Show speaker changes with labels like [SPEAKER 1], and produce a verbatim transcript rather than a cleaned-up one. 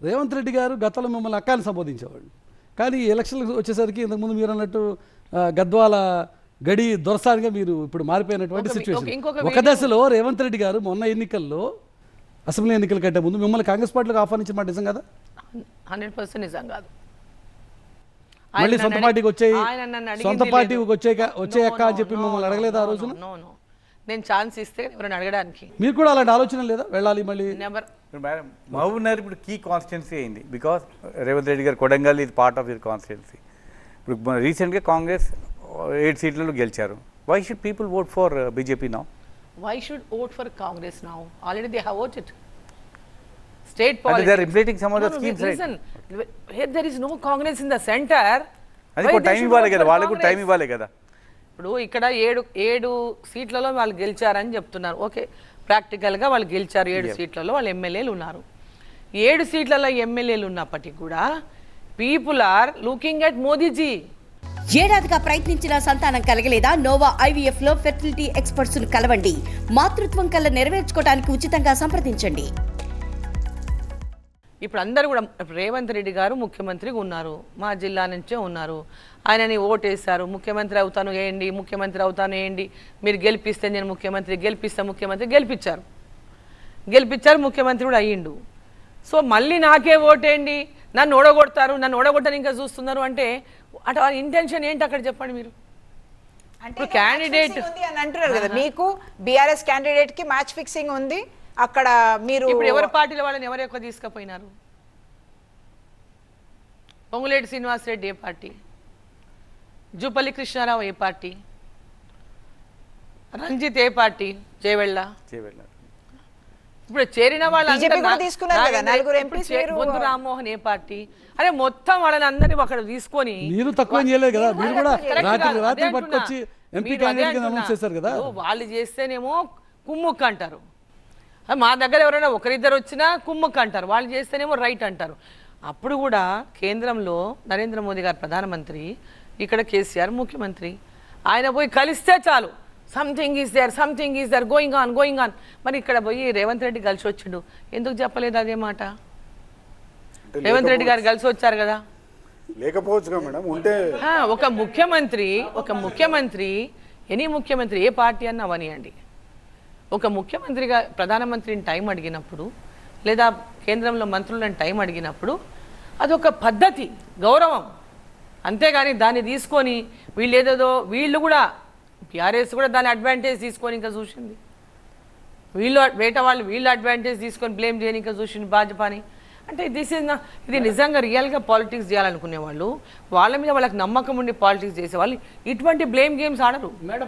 [SPEAKER 1] రేవంత్ రెడ్డి గారు గతంలో మిమ్మల్ని అక్కాని సంబోధించేవాళ్ళు, కానీ ఈ ఎలక్షన్లు వచ్చేసరికి ఇంతకుముందు మీరు అన్నట్టు గద్వాల గడి దొరసానిగా మీరు ఇప్పుడు మారిపోయినటువంటి సిచ్యువేషన్. ఒక దశలో రేవంత్ రెడ్డి గారు మొన్న ఎన్నికల్లో అసెంబ్లీ ఎన్నికల కంటే ముందు మిమ్మల్ని కాంగ్రెస్ పార్టీలోకి ఆహ్వానించిన మాట నిజం కదా?
[SPEAKER 2] హండ్రెడ్ పర్సెంట్ నిజం కాదు.
[SPEAKER 1] మళ్ళీ సొంత పార్టీకి వచ్చాయి, సొంత పార్టీకి వచ్చే వచ్చేయక్క అని చెప్పి మిమ్మల్ని అడగలేదు ఆ రోజున?
[SPEAKER 2] నేను ఛాన్స్ ఇస్తే ఎవరైనా అడగడానికి
[SPEAKER 1] మీరు కూడా అలాంటి ఆలోచన లేదా వెళ్ళాలి మళ్ళీ?
[SPEAKER 2] నెవర్.
[SPEAKER 3] మేడం మహబూబ్ నగర్ ఇప్పుడు కీ కాన్స్టిట్యున్సీ అయింది బికాస్ రేవంత్ రెడ్డి గారు కొడంగల్ ఇది పార్ట్ ఆఫ్ యువర్ కాన్స్టిట్యున్సీ. ఇప్పుడు రీసెంట్గా కాంగ్రెస్ ఎయిట్ సీట్లలో గెలిచారు. Why should people vote for BJP now?
[SPEAKER 2] Why should vote for Congress now? Already they have voted. State politics.
[SPEAKER 3] And they are implementing some of the
[SPEAKER 2] no,
[SPEAKER 3] schemes,
[SPEAKER 2] no, listen, right? Here there is no Congress in the center.
[SPEAKER 3] అది కూడా time ఇవ్వాలి కదా, వాళ్ళకు కూడా time ఇవ్వాలి కదా.
[SPEAKER 2] ఇప్పుడు ఇక్కడ ఏడు ఏడు సీట్లలో వాళ్ళు గెలిచారని చెప్తున్నారు. ఓకే, ప్రాక్టికల్గా వాళ్ళు గెలిచారు. ఏడు సీట్లలో వాళ్ళు ఎమ్మెల్యేలు ఉన్నారు. ఏడు సీట్లలో ఎమ్మెల్యేలు ఉన్నప్పటికీ కూడా people are looking at Modi ji.
[SPEAKER 4] ఏడాదిగా ప్రయత్నించిన సంతానం కలగలేదా? నోవా ఐవీఎఫ్ లో ఫెర్టిలిటీ ఎక్స్పర్ట్స్ ను కలవండి. మాతృత్వం కల నెరవేర్చుకోవడానికి ఉచితంగా సంప్రదించండి.
[SPEAKER 2] ఇప్పుడు అందరూ కూడా రేవంత్ రెడ్డి గారు ముఖ్యమంత్రిగా ఉన్నారు, మా జిల్లా నుంచే ఉన్నారు. ఆయనని ఓటేశారు, ముఖ్యమంత్రి అవుతాను వేయండి, ముఖ్యమంత్రి అవుతాను వేయండి, మీరు గెలిపిస్తే నేను ముఖ్యమంత్రి, గెలిపిస్తే ముఖ్యమంత్రి, గెలిపించారు గెలిపించారు ముఖ్యమంత్రి కూడా అయ్యిండు. సో మళ్ళీ నాకే ఓటేయండి, నన్ను ఓడగొడతారు, నన్ను ఓడగొట్టని ఇంకా చూస్తున్నారు అంటే అటు ఇంటెన్షన్ ఏంటి అక్కడ చెప్పండి మీరు?
[SPEAKER 5] అంటే క్యాండిడేట్ ఉంది అని అంటున్నారు కదా, మీకు బీఆర్ఎస్ క్యాండిడేట్ కి మ్యాచ్ ఫిక్సింగ్ ఉంది అక్కడ. మీరు
[SPEAKER 2] ఇప్పుడు ఎవరి పార్టీలో వాళ్ళని ఎవరు ఎక్కువ తీసుకుపోయినారు? పొంగులేటి శ్రీనివాసరెడ్డి ఏ పార్టీ, జూపల్లి కృష్ణారావు ఏ పార్టీ, రంజిత్ ఏ పార్టీ, జయవెళ్ళ. ఇప్పుడు చేరిన వాళ్ళు రామ్మోహన్ ఏ పార్టీ? అరే మొత్తం వాళ్ళని అందరినీ అక్కడ తీసుకొని
[SPEAKER 1] మీరు తక్కువ చేయలేదు కదా, మీరు కూడా రాత్రి రాత్రి పట్టుకొచ్చి ఎంపీ క్యాండిడేట్ గా అనౌన్స్ చేశారు కదా.
[SPEAKER 2] వాళ్ళు చేస్తేనేమో కుమ్ముక్ అంటారు, మా దగ్గర ఎవరైనా ఒకరిద్దరు వచ్చినా కుమ్ముక్ అంటారు, వాళ్ళు చేస్తేనేమో రైట్ అంటారు. అప్పుడు కూడా కేంద్రంలో నరేంద్ర మోదీ గారు ప్రధానమంత్రి, ఇక్కడ కేసీఆర్ ముఖ్యమంత్రి. ఆయన పోయి కలిస్తే చాలు, something is there, something is there, going on going on. మరి ఇక్కడ పోయి రేవంత్ రెడ్డి కలిసి వచ్చిండు, ఎందుకు చెప్పలేదు అదే మాట? రేవంత్ రెడ్డి గారు కలిసి వచ్చారు కదా,
[SPEAKER 6] లేకపోవచ్చు మేడం. ఉంటే
[SPEAKER 2] ఒక ముఖ్యమంత్రి ఒక ముఖ్యమంత్రి ఎనీ ముఖ్యమంత్రి ఏ పార్టీ అన్నా అవనియండి, ఒక ముఖ్యమంత్రిగా ప్రధానమంత్రిని టైం అడిగినప్పుడు లేదా కేంద్రంలో మంత్రులను టైం అడిగినప్పుడు అదొక పద్ధతి, గౌరవం. అంతేగాని దాన్ని తీసుకొని వీళ్ళు ఏదేదో వీళ్ళు కూడా టీఆర్ఎస్ కూడా దాని అడ్వాంటేజ్ తీసుకొని ఇంకా చూసింది, వీళ్ళు వేట వాళ్ళు వీళ్ళు అడ్వాంటేజ్ తీసుకొని బ్లేమ్ చేయని ఇంకా చూసింది భాజపాని. అంటే దిస్ ఇస్ నా ఇది నిజంగా రియల్గా పాలిటిక్స్ చేయాలనుకునే వాళ్ళు, వాళ్ళ మీద వాళ్ళకి నమ్మకం ఉండి పాలిటిక్స్ చేసేవాళ్ళు ఇటువంటి బ్లేమ్ గేమ్స్ ఆడరు మేడం.